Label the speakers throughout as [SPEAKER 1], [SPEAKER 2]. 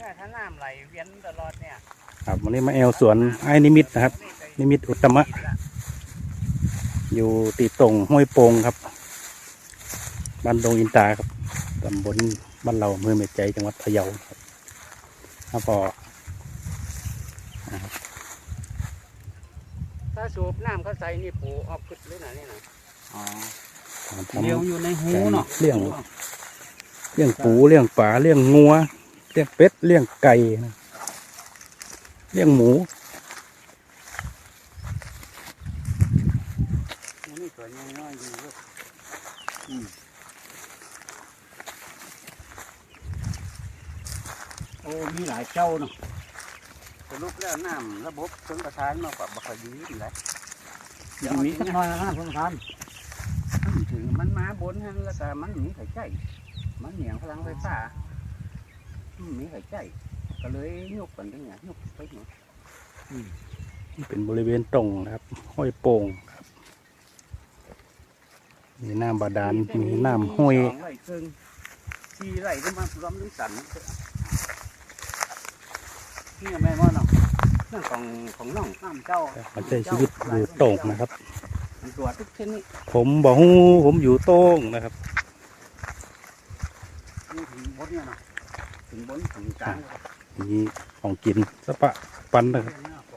[SPEAKER 1] เนี่ยถ้าน้ำไหลเวียนตลอดเนี่ย
[SPEAKER 2] ครับวันนี้มาแอลสวนไอ้นิมิตนะครับนิมิตอุตตมะอยู่ติดตรงห้วยโป่งครับบ้านดงอินตาครับตำบลบ้านเราอำเภอเมจัยจังหวัดพะเยาครับแล้วก็
[SPEAKER 1] ถ้าสูบน้ำเขาใส่นี่ปูออกขึ้นเลยนะนี่นะ
[SPEAKER 2] เลี้ยง
[SPEAKER 1] อยู่ในหูเนาะ
[SPEAKER 2] เลี้ยงปูเลี้ยงปลาเลี้ยงงัวเลี้ยงเป็ดเลี้ยงไก่เลี้ยงหมู
[SPEAKER 1] นี่ตัวน้อยๆอยู่ด้วยโอ้มีหลายเจ้าเนาะสรุปแล้วน้ำระบบชนประทานมากกว่าบัคดีนี่แหละ
[SPEAKER 3] อย่างนี้สักหน่อยนะชนประทาน
[SPEAKER 1] ถึงมันมาบนฮะแล้วแต่มันมีไข่ใจมันเหนียงพลังไฟฟ้ามีไข่ใจก็เลยยกกันได้ไงยกไปหน่อย
[SPEAKER 2] นี่เป็นบริเวณตรงนะครับห้วยโป่งครับมีน้ำบาดาลมีน้ำห้วย
[SPEAKER 1] ไหลเกินชีไหลก็มาพร้อมน้ำสันนี่แม่ว่าเนาะเรื่องของน้องน้ำเจ้า
[SPEAKER 2] มันใช้ชีวิตอยู่โต่งนะครับ
[SPEAKER 1] ตัวทุกชนิด
[SPEAKER 2] ผมบอกฮู้ผมอยู่โต่งนะครับ
[SPEAKER 1] นี่ถึงบนเนี่ยนะถึงบนถึงกลาง
[SPEAKER 2] มีของกินสะปะปันนะครับ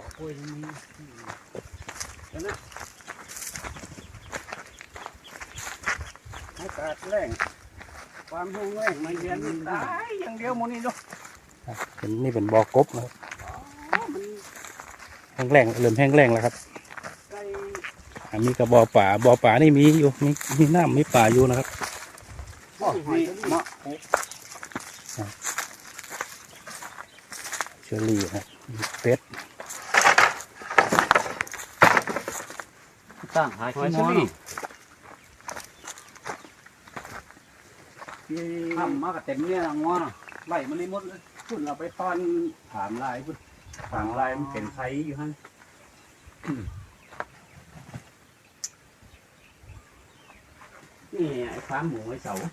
[SPEAKER 1] อากาศแรงความแห้งแล้งมันเย็นตายอย่างเดียวมันนี่ดู
[SPEAKER 2] เป็นนี่เป็นบ่อกบนะครับแห้งแรงเริ่มแห้งแรงแล้วครับมีกระบ่อป่านี่มีอยู่มีน้ำมีป่าอยู่นะครับเชอรี่ครับเป็ด
[SPEAKER 3] ตั้งหายขี้ม้อน
[SPEAKER 1] ทำมากับเต็มเนี่ยงอนไหลมันนี่มดเลยพุ่นเราไปตอนถามลายพุ่นถามลายมันเป็นไฟอยู่ฮะนี่ไอ้ฟ้าหมูไอ้เสา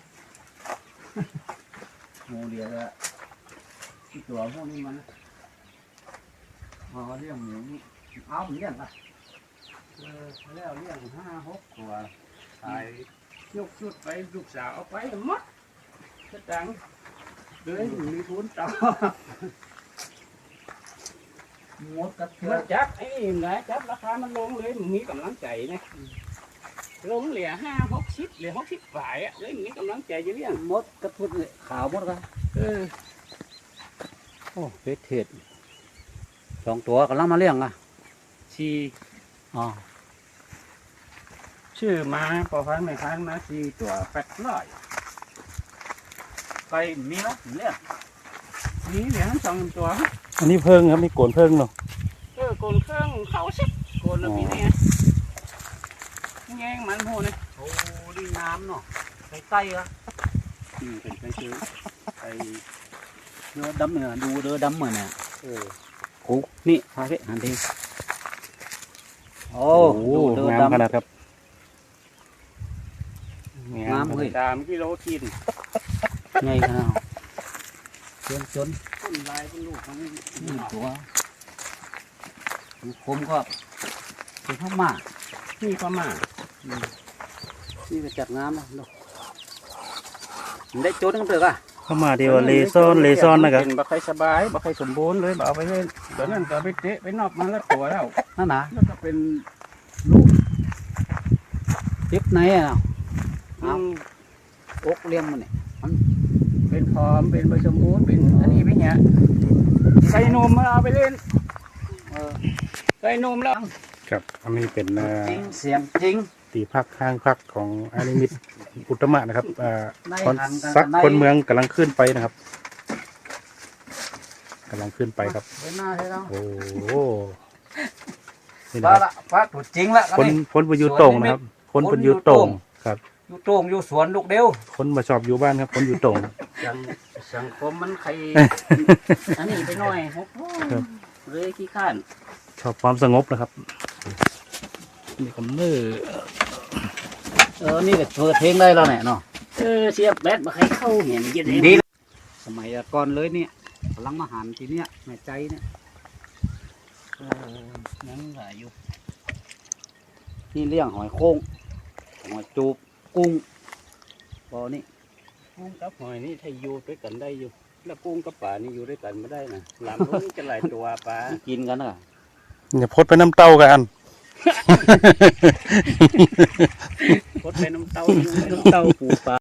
[SPEAKER 1] หมูเดียวละที่ตัวพวกนี้มันเลี้ยงหมูนี่เอาเหมือนกันปะแล้วเลี้ยง5-6 ตัวตายยกชุดไปลูกสาวเอาไปหมดกระตังเลยมีทุนต่อหมดกระเทือนจับไอ้นี่นะจับราคามันลงเลยมีกำลังใจนะลงเหลือ5-6 เหลือ60 ฝ่ายอ่ะเลยมีกำลังใจจะเลี้ยง
[SPEAKER 3] มดกระพุดเลยขาวมดกันโอ้เป็ดเห็ด2 ตัวกำลังมาเลี้ยงอ่ะ
[SPEAKER 1] ชี
[SPEAKER 3] อ๋อ
[SPEAKER 1] ชื่อมาพอพันไม่พันมา4 ตัว800ไปมีแล้วเลี้ยงมีเหลือ2 ตัว
[SPEAKER 2] อันนี้เพิ่งครับมีโกนเพิ่งเนาะ
[SPEAKER 1] โกนเครื่องเขาสิโกนแล้วมีเนี่ยแง่งมันโหเนี่ย
[SPEAKER 3] โอ้ดีน้ำเนาะไปไต้ละ
[SPEAKER 1] เป็นไปซื้อไป
[SPEAKER 3] เดือดำเนี่ยดูเดือดำเหมือนเนี่ยโอ้นี่พาไปหันทีโอ้
[SPEAKER 2] เดือดำขนาดครับ
[SPEAKER 3] น้ำเลย
[SPEAKER 1] 3 กิโลกิน
[SPEAKER 3] ไงขนาดจน
[SPEAKER 1] ต้นลายเป็นลูกของ
[SPEAKER 3] นี่ตัวคมก็เป็นข้าวหมาก
[SPEAKER 1] นี่ก็มา
[SPEAKER 3] นี่ไปจัดน้ำนะได้โจนกันเถอะ
[SPEAKER 2] เข้ามาเดียวเลซอนนะครับ
[SPEAKER 1] บักไข่สบายบักไข่สมบูรณ์เลยเอาไปเลยตอนนั้นก็ไปเตะไปนอกมาแล้วตัวแล้ว
[SPEAKER 3] นั่นนะ
[SPEAKER 1] แล้วก็เป็นลูก
[SPEAKER 3] เจ็บไหนอ่ะอกเลี้ยงมันเนี่ย
[SPEAKER 1] มันเป็นพร้อมเป็นใบสมบูรณ์เป็นอันนี้ไปเนี่ยไก่นมมาเอาไปเล่นไก่นมแล้ว
[SPEAKER 2] ครับอันนี้เป็น
[SPEAKER 3] จริงเสียงจริง
[SPEAKER 2] ตีพักข้างพักของอานิมิตอุตตมะนะครับคนเมืองกำลังขึ้นไปนะครับกำลังขึ้นไปครับโอ้โห
[SPEAKER 3] นี่นะครับฟ้าถูกจริงละ
[SPEAKER 2] คนไปอยู่ตรงนะครับคนไปอยู่ตรงครับ
[SPEAKER 3] อยู่ตรงอยู่สวนลูกเดียว
[SPEAKER 2] คนมาชอบอยู่บ้านครับคนอยู่ตรง
[SPEAKER 1] สังคมมันใครอันนี้ไปหน่อยเลยขี้ข้าน
[SPEAKER 2] ชอบความสงบนะครับนี่คำเนื้
[SPEAKER 3] อนี่ก็เปิดเพลงได้แล้วเนี่ยเนาะ
[SPEAKER 1] เสียบแบตมาใครเข้าเห็นยัง
[SPEAKER 3] ดีสมัยก่อนเลยเนี่ยกำลังมาหันทีเนี้ยแม่ใจเนี่ย
[SPEAKER 1] ยังหลายอยู่
[SPEAKER 3] นี่เลี้ยงหอยโค้งหอยจูบกุ้งบ่อนี่
[SPEAKER 1] กุ้งกับหอยนี่ถ้าอยู่ด้วยกันได้อยู่แล้วกุ้งกับปลานี่อยู่ด้วยกันไม่ได้นะหลามลูกนี่จะหลายตัวปลา
[SPEAKER 3] กินกันนะ
[SPEAKER 2] อย่าพดไปน้ำเต้ากัน
[SPEAKER 1] พดไปน้ำเต้า
[SPEAKER 3] เต้าปูปลา